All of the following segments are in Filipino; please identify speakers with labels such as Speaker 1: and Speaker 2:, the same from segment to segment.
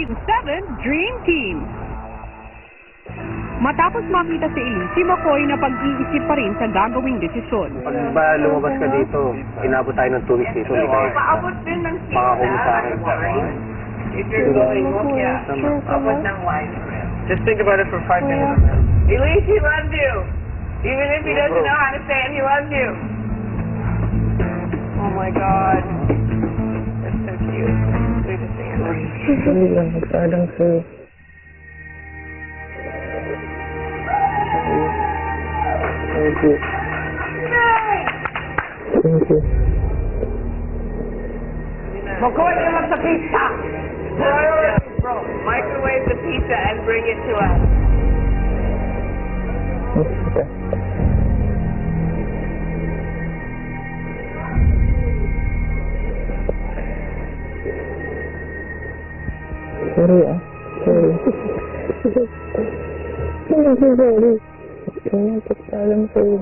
Speaker 1: Season 7 Dream Team. Matapos makita si Elise, si McCoy na pag-iisip pa rin sa gagawing desisyon.
Speaker 2: Pag ba lumabas ka dito, inabot tayo ng 2 weeks dito.
Speaker 1: Paabot din ng
Speaker 2: Makakuha sa akin.
Speaker 3: If you're going, yeah, abot ng wine. Just think about it for 5 minutes. Elise, he loves you. Even if he doesn't know how to say it, he loves you. Oh my God. That's so cute. Sweetest thing ever.
Speaker 2: Nagsadang sa'yo. Thank you. Thank you.
Speaker 3: McCoy, give us the pizza. Bro, microwave the pizza and bring it to us.
Speaker 2: Okay. Sorry ah. Sorry. Sorry. Kaya pagkalam sa'yo.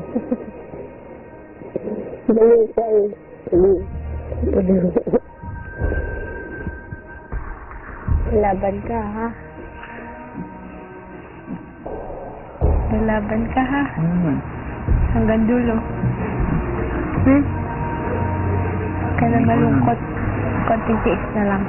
Speaker 2: Balik sa'yo. Balik.
Speaker 4: Laban ka, ha? Lalaban ka, ha? Hanggang dulo. Ka na malungkot. Konting tiis na lang.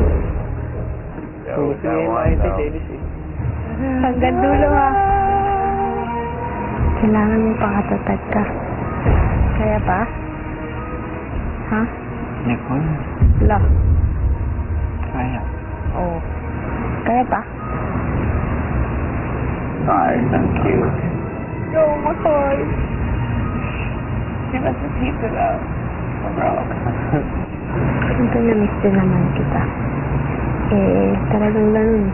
Speaker 4: Hanggang dulo, ha? Kailangan mo pakatatag ka. Kaya pa? Ha?
Speaker 2: Nicole.
Speaker 4: Wala.
Speaker 2: Kaya.
Speaker 4: Oo. Kaya pa?
Speaker 2: Sorry, thank you.
Speaker 4: Yo, McCoy.
Speaker 3: Give us the pizza though. Bro.
Speaker 4: Siyempre na-miss din naman kita. Talagang ganun.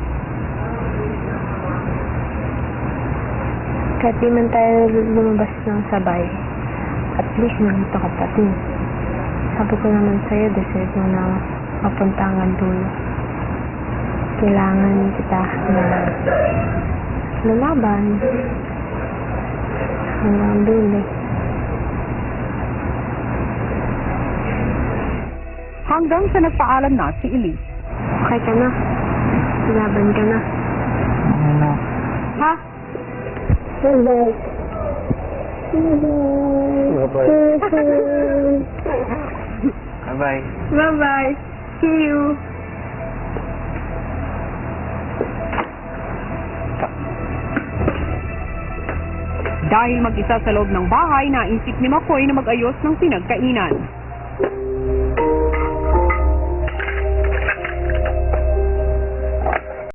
Speaker 4: Kahit di man tayo lumabas ng sabay, at least nandito ka pa din. Sabi ko naman sa'yo, deserve mo na mapunta hanggang dulo. Kailangan kita na lalaban hanggang dulo.
Speaker 1: Hanggang sa nagpaalam na si Elise.
Speaker 4: Okay ka na? Laban ka na?
Speaker 2: Ano?
Speaker 4: Ha? Bye-bye.
Speaker 2: Bye-bye.
Speaker 4: Bye-bye. See you.
Speaker 1: Dahil mag-isa sa loob ng bahay, naisip ni McCoy na mag-ayos ng pinagkainan.